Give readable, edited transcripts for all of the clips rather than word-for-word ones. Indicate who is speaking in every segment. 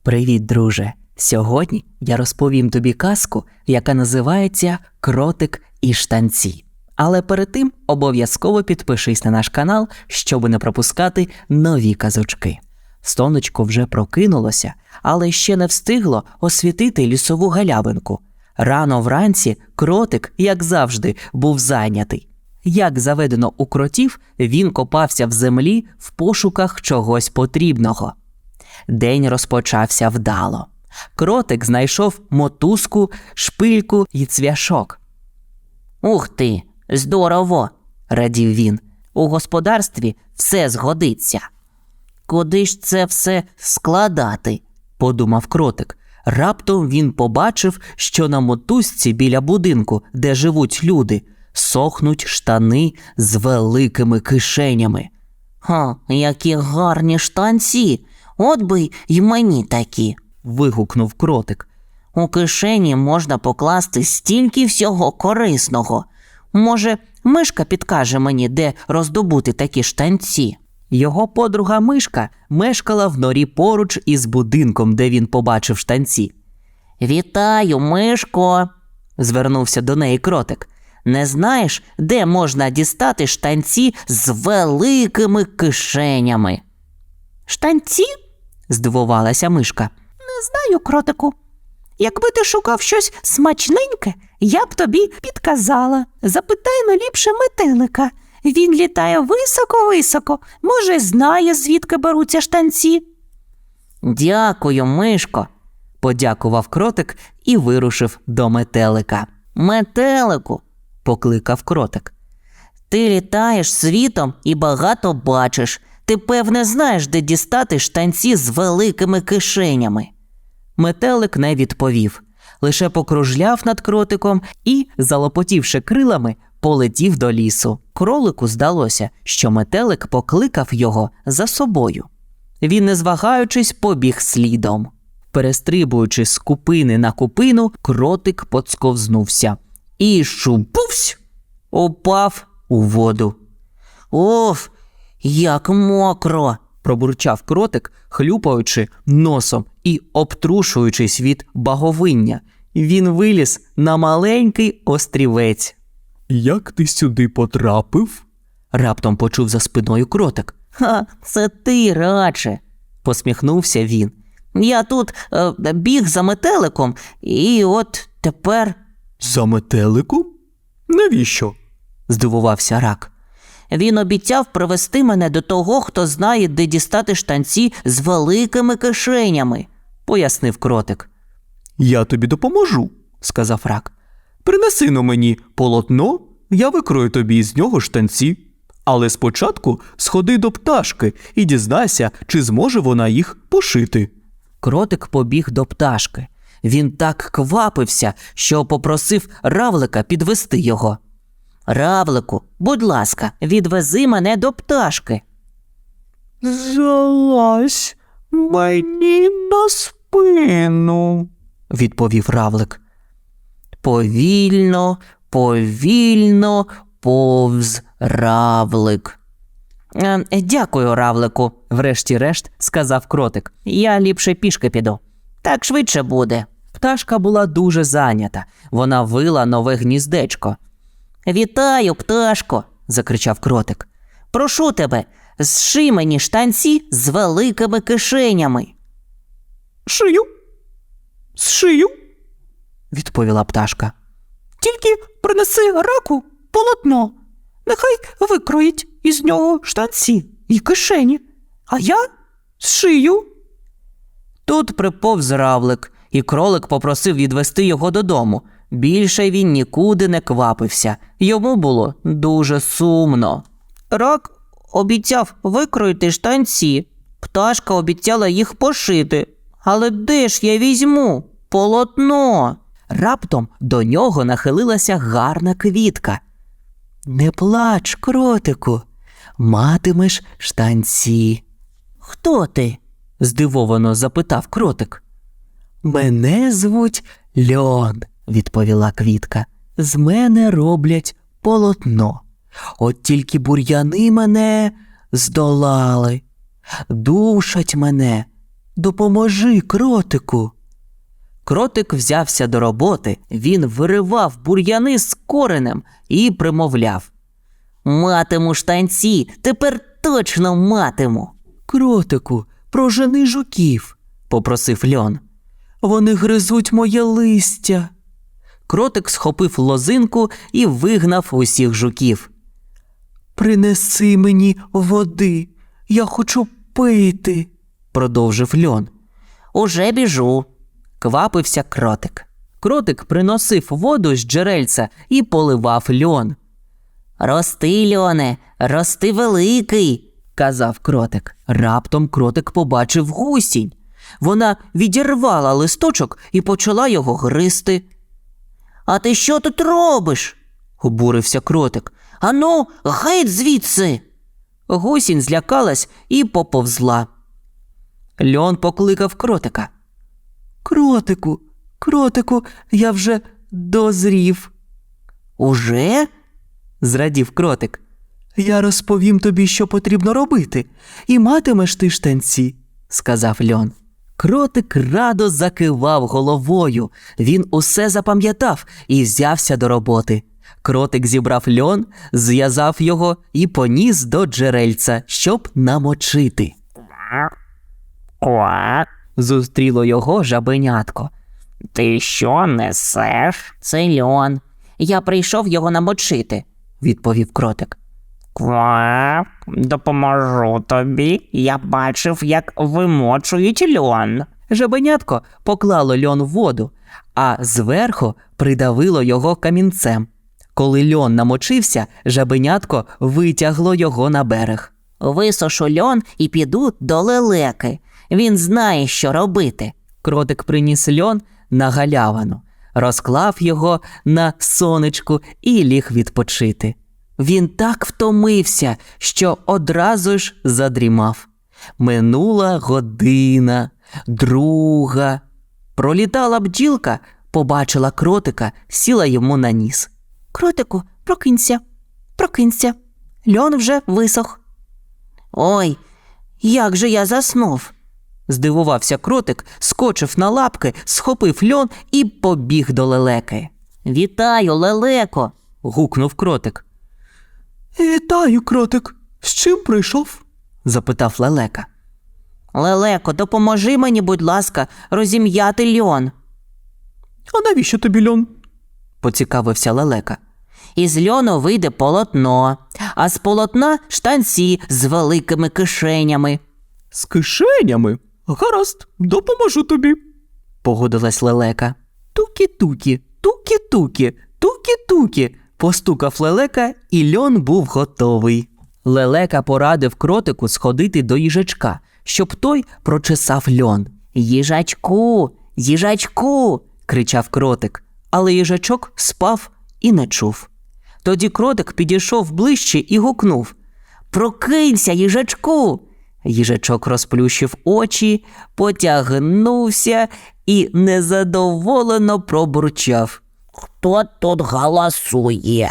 Speaker 1: Привіт, друже! Сьогодні я розповім тобі казку, яка називається «Кротик і штанці». Але перед тим обов'язково підпишись на наш канал, щоб не пропускати нові казочки. Сонечко вже прокинулося, але ще не встигло освітити лісову галявинку. Рано вранці кротик, як завжди, був зайнятий. Як заведено у кротів, він копався в землі в пошуках чогось потрібного. День розпочався вдало. Кротик знайшов мотузку, шпильку і цвяшок. «Ух ти, здорово!» – радів він. «У господарстві все згодиться». «Куди ж це все складати?» – подумав кротик. Раптом він побачив, що на мотузці біля будинку, де живуть люди, сохнуть штани з великими кишенями. «Ха, які гарні штанці! От би й мені такі!» – вигукнув кротик. «У кишені можна покласти стільки всього корисного. Може, мишка підкаже мені, де роздобути такі штанці?» Його подруга Мишка мешкала в норі поруч із будинком, де він побачив штанці. «Вітаю, Мишко!» – звернувся до неї кротик. «Не знаєш, де можна дістати штанці з великими кишенями?» «Штанці?» – здивувалася Мишка. «Не знаю, кротику. Якби ти шукав щось смачненьке, я б тобі підказала. Запитай ліпше метелика. Він літає високо-високо, може, знає, звідки беруться штанці». «Дякую, Мишко», – подякував кротик і вирушив до метелика. «Метелику», – покликав кротик. «Ти літаєш світом і багато бачиш. Ти, певне, знаєш, де дістати штанці з великими кишенями». Метелик не відповів, лише покружляв над кротиком і, залопотівши крилами, полетів до лісу. Кролику здалося, що метелик покликав його за собою. Він, не звагаючись, побіг слідом. Перестрибуючи з купини на купину, кротик поцковзнувся і шубувсь упав у воду. «Оф, як мокро!» – пробурчав кротик, хлюпаючи носом і обтрушуючись від баговиння. Він виліз на маленький острівець.
Speaker 2: «Як ти сюди потрапив?»
Speaker 1: – раптом почув за спиною кротик. «Ха, це ти радше!» – посміхнувся він. «Я тут біг за метеликом, і от тепер…»
Speaker 2: «За метеликом? Навіщо?»
Speaker 1: – здивувався рак. «Він обіцяв привести мене до того, хто знає, де дістати штанці з великими кишенями», – пояснив кротик.
Speaker 2: «Я тобі допоможу», – сказав рак. «Принеси-но мені полотно, я викрою тобі з нього штанці. Але спочатку сходи до пташки і дізнайся, чи зможе вона їх пошити».
Speaker 1: Кротик побіг до пташки. Він так квапився, що попросив равлика підвести його. «Равлику, будь ласка, відвези мене до пташки».
Speaker 2: «Залазь мені на спину», – відповів равлик.
Speaker 1: Повільно, повільно повз равлик. «Дякую, равлику», – врешті-решт сказав кротик. «Я ліпше пішки піду. Так швидше буде». Пташка була дуже зайнята. Вона вила нове гніздечко. «Вітаю, пташко!» – закричав кротик. «Прошу тебе, зши мені штанці з великими кишенями».
Speaker 2: «Шию, зшию», –
Speaker 1: відповіла пташка.
Speaker 2: «Тільки принеси раку полотно. Нехай викроїть із нього штанці і кишені, а я зшию».
Speaker 1: Тут приповз равлик, і кролик попросив відвести його додому. Більше він нікуди не квапився. Йому було дуже сумно. Рак обіцяв викроїти штанці. Пташка обіцяла їх пошити. Але де ж я візьму полотно? Раптом до нього нахилилася гарна квітка. «Не плач, кротику, матимеш штанці». «Хто ти?» – здивовано запитав кротик. «Мене звуть Льон», – відповіла квітка. «З мене роблять полотно. От тільки бур'яни мене здолали, душать мене, Допоможи, кротику. Кротик взявся до роботи, він виривав бур'яни з коренем і примовляв: «Матиму штанці, тепер точно матиму». «Кротику, прожени жуків», – попросив льон. «Вони гризуть моє листя». Кротик схопив лозинку і вигнав усіх жуків. «Принеси мені води, я хочу пити», – продовжив льон. «Уже біжу», – квапився кротик. Кротик приносив воду з джерельця і поливав льон. «Рости, льоне, рости великий», – казав кротик. Раптом кротик побачив гусінь. Вона відірвала листочок і почала його гризти. «А ти що тут робиш?» – обурився кротик. «Ану, геть звідси!» Гусінь злякалась і поповзла. Льон покликав кротика. «Кротику, кротику, я вже дозрів». «Уже?» – зрадів кротик. «Я розповім тобі, що потрібно робити, і матимеш ти штанці», – сказав льон. Кротик радо закивав головою. Він усе запам'ятав і взявся до роботи. Кротик зібрав льон, зв'язав його і поніс до джерельця, щоб намочити.
Speaker 3: «Квак,
Speaker 1: Зустріло його жабенятко.
Speaker 3: ти що несеш?»
Speaker 1: «Це льон. Я прийшов його намочити», – відповів кротик.
Speaker 3: «Квак, допоможу тобі. Я бачив, як вимочують льон».
Speaker 1: Жабенятко поклало льон в воду, а зверху придавило його камінцем. Коли льон намочився, жабенятко витягло його на берег. «Висушу льон і піду до лелеки. Він знає, що робити». Кротик приніс льон на галявину, розклав його на сонечку і ліг відпочити. Він так втомився, що одразу ж задрімав. Минула година, друга. Пролітала бджілка, побачила кротика, сіла йому на ніс. «Кротику, прокинься, прокинься. Льон вже висох». «Ой, як же я заснув!» Здивувався кротик, скочив на лапки, схопив льон і побіг до лелеки. «Вітаю, лелеко!» – гукнув кротик.
Speaker 2: «Вітаю, кротик. З чим прийшов?» – запитав лелека.
Speaker 1: «Лелеко, допоможи мені, будь ласка, розім'яти льон»,
Speaker 2: «А навіщо тобі льон?»
Speaker 1: – поцікавився лелека. «Із льону вийде полотно, а з полотна штанці з великими кишенями».
Speaker 2: «З кишенями? Гаразд, допоможу тобі», –
Speaker 1: погодилась лелека. «Тукі-тукі, тукі-тукі, тукі-тукі», – постукав лелека, і льон був готовий. Лелека порадив кротику сходити до їжачка, щоб той прочесав льон. «Їжачку, їжачку!» – кричав кротик, але їжачок спав і не чув. Тоді кротик підійшов ближче і гукнув: «Прокинься, їжачку!» Їжачок розплющив очі, потягнувся і незадоволено пробурчав:
Speaker 3: «Хто тут галасує?»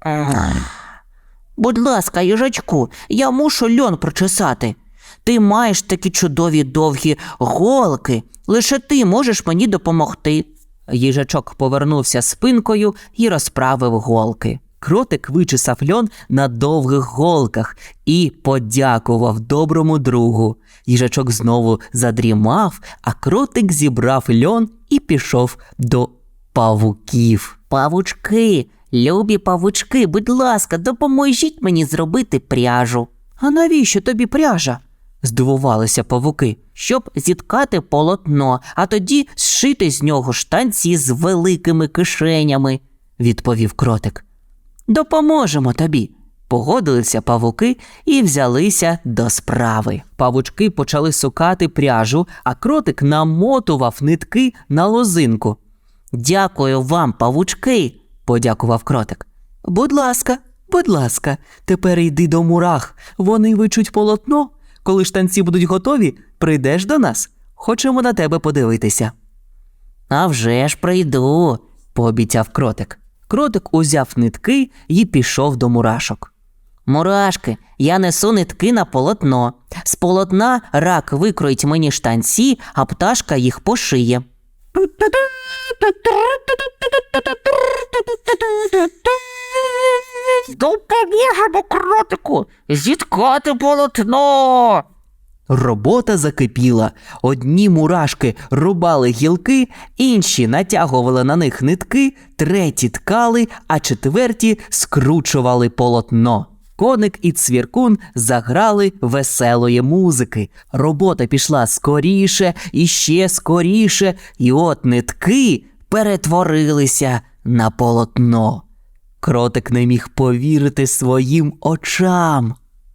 Speaker 1: «Будь ласка, їжачку, я мушу льон прочесати. Ти маєш такі чудові довгі голки, лише ти можеш мені допомогти». Їжачок повернувся спинкою і розправив голки. Кротик вичесав льон на довгих голках і подякував доброму другу. Їжачок знову задрімав, а кротик зібрав льон і пішов до павуків. «Павучки, любі павучки, будь ласка, допоможіть мені зробити пряжу». «А навіщо тобі пряжа?» – здивувалися павуки. «Щоб зіткати полотно, а тоді зшити з нього штанці з великими кишенями», – відповів кротик. «Допоможемо тобі», – погодилися павуки і взялися до справи. Павучки почали сукати пряжу, а кротик намотував нитки на лозинку. «Дякую вам, павучки», – подякував кротик. Будь ласка, тепер йди до мурах, вони вичуть полотно. Коли штанці будуть готові, прийдеш до нас. Хочемо на тебе подивитися». «А вже ж прийду», – пообіцяв кротик. Кротик узяв нитки і пішов до мурашок. Мурашки, я несу нитки на полотно. З полотна рак викроїть мені штанці, а пташка їх пошиє.
Speaker 3: Допоможемо кротику зіткати полотно.
Speaker 2: Робота закипіла. Одні мурашки рубали гілки, інші натягували на них нитки, треті ткали, а четверті скручували полотно. Коник і цвіркун заграли веселої музики. Робота пішла скоріше і ще скоріше, і от нитки перетворилися на полотно. Кротик не міг повірити своїм очам.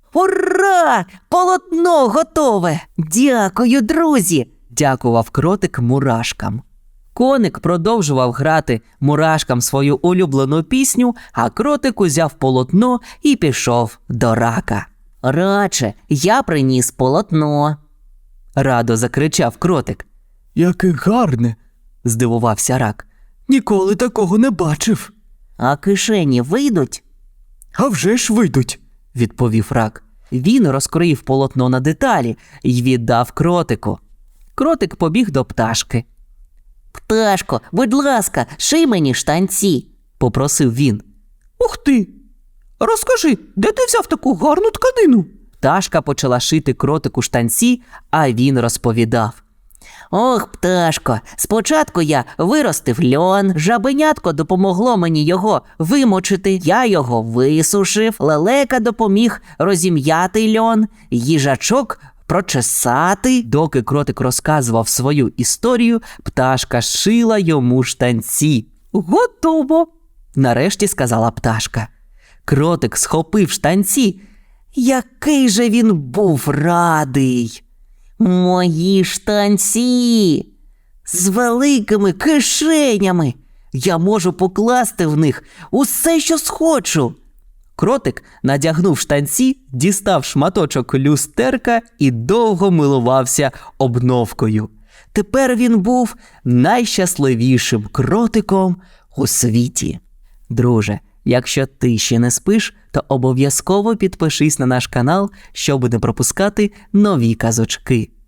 Speaker 1: Ура! Полотно готове! Дякую, друзі!
Speaker 2: Дякував кротик мурашкам.
Speaker 1: Коник продовжував грати мурашкам свою улюблену пісню, а кротик узяв полотно і пішов до рака. Раче, я приніс полотно.
Speaker 2: Радо закричав кротик. Яке гарне! Здивувався рак. Ніколи такого не бачив.
Speaker 1: А кишені вийдуть?
Speaker 2: А вже ж вийдуть, відповів рак.
Speaker 1: Він розкроїв полотно на деталі й віддав кротику. Кротик побіг до пташки. «Пташко, будь ласка, ший мені штанці», – попросив він.
Speaker 2: Ух ти! Розкажи, де ти взяв таку гарну тканину?
Speaker 1: Пташка почала шити кротику штанці, а він розповідав. «Ох, пташко, спочатку я виростив льон, жабенятко допомогло мені його вимочити, я його висушив, лелека допоміг розім'яти льон, їжачок прочесати». Доки кротик розказував свою історію, пташка шила йому штанці. «Готово!» – нарешті сказала пташка. Кротик схопив штанці. Який же він був радий! Мої штанці! З великими кишенями! Я можу покласти в них усе, що схочу. Кротик надягнув штанці, дістав шматочок люстерка і довго милувався обновкою. Тепер він був найщасливішим кротиком у світі. Друже, якщо ти ще не спиш, то обов'язково підпишись на наш канал, щоб не пропускати нові казочки.